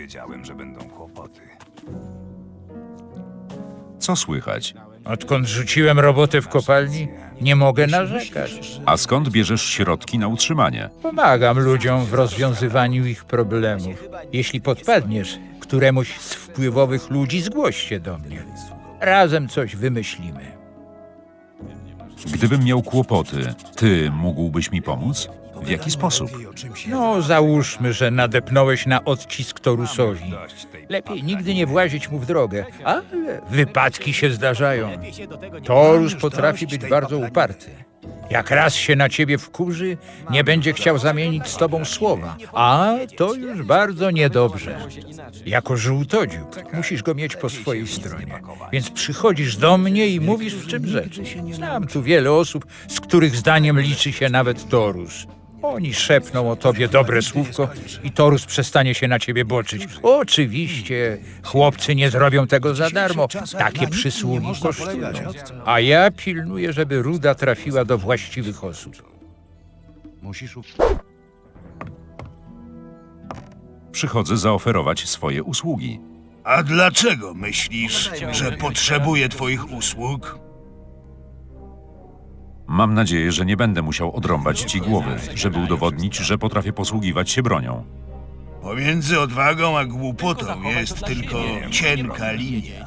wiedziałem, że będą kłopoty. Co słychać? Odkąd rzuciłem robotę w kopalni, nie mogę narzekać. A skąd bierzesz środki na utrzymanie? Pomagam ludziom w rozwiązywaniu ich problemów. Jeśli podpadniesz któremuś z wpływowych ludzi, zgłoś się do mnie. Razem coś wymyślimy. Gdybym miał kłopoty, ty mógłbyś mi pomóc? W jaki sposób? No, załóżmy, że nadepnąłeś na odcisk Torusowi. Lepiej nigdy nie włazić mu w drogę, ale wypadki się zdarzają. Torus potrafi być bardzo uparty. Jak raz się na ciebie wkurzy, nie będzie chciał zamienić z tobą słowa, a to już bardzo niedobrze. Jako żółtodziób musisz go mieć po swojej stronie, więc przychodzisz do mnie i mówisz, w czym rzecz. Znam tu wiele osób, z których zdaniem liczy się nawet Torus. Oni szepną o tobie dobre słówko i Torus przestanie się na ciebie boczyć. Oczywiście, chłopcy nie zrobią tego za darmo. Takie przysługi kosztują. A ja pilnuję, żeby ruda trafiła do właściwych osób. Przychodzę zaoferować swoje usługi. A dlaczego myślisz, że potrzebuję twoich usług? Mam nadzieję, że nie będę musiał odrąbać ci głowy, żeby udowodnić, że potrafię posługiwać się bronią. Pomiędzy odwagą a głupotą jest tylko cienka linia.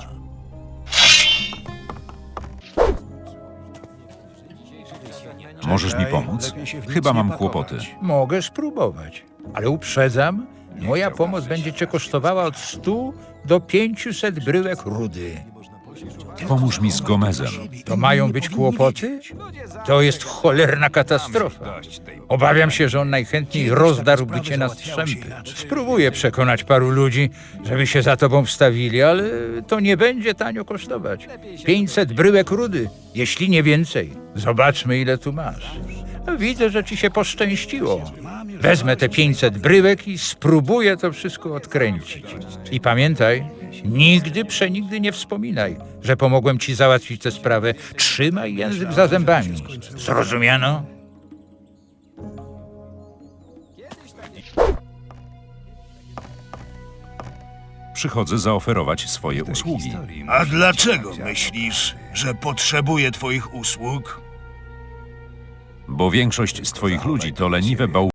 Możesz mi pomóc? Chyba mam kłopoty. Mogę spróbować, ale uprzedzam, moja pomoc będzie cię kosztowała od 100 do 500 bryłek rudy. Pomóż mi z Gomezem. To mają być kłopoty? To jest cholerna katastrofa. Obawiam się, że on najchętniej rozdarłby cię na strzępy. Spróbuję przekonać paru ludzi, żeby się za tobą wstawili, ale to nie będzie tanio kosztować. 500 bryłek rudy, jeśli nie więcej. Zobaczmy, ile tu masz. Widzę, że ci się poszczęściło. Wezmę te 500 bryłek i spróbuję to wszystko odkręcić. I pamiętaj, nigdy przenigdy nie wspominaj, że pomogłem ci załatwić tę sprawę. Trzymaj język za zębami. Zrozumiano? Przychodzę zaoferować swoje usługi. A dlaczego myślisz, że potrzebuję twoich usług? Bo większość z twoich ludzi to leniwe bałwany.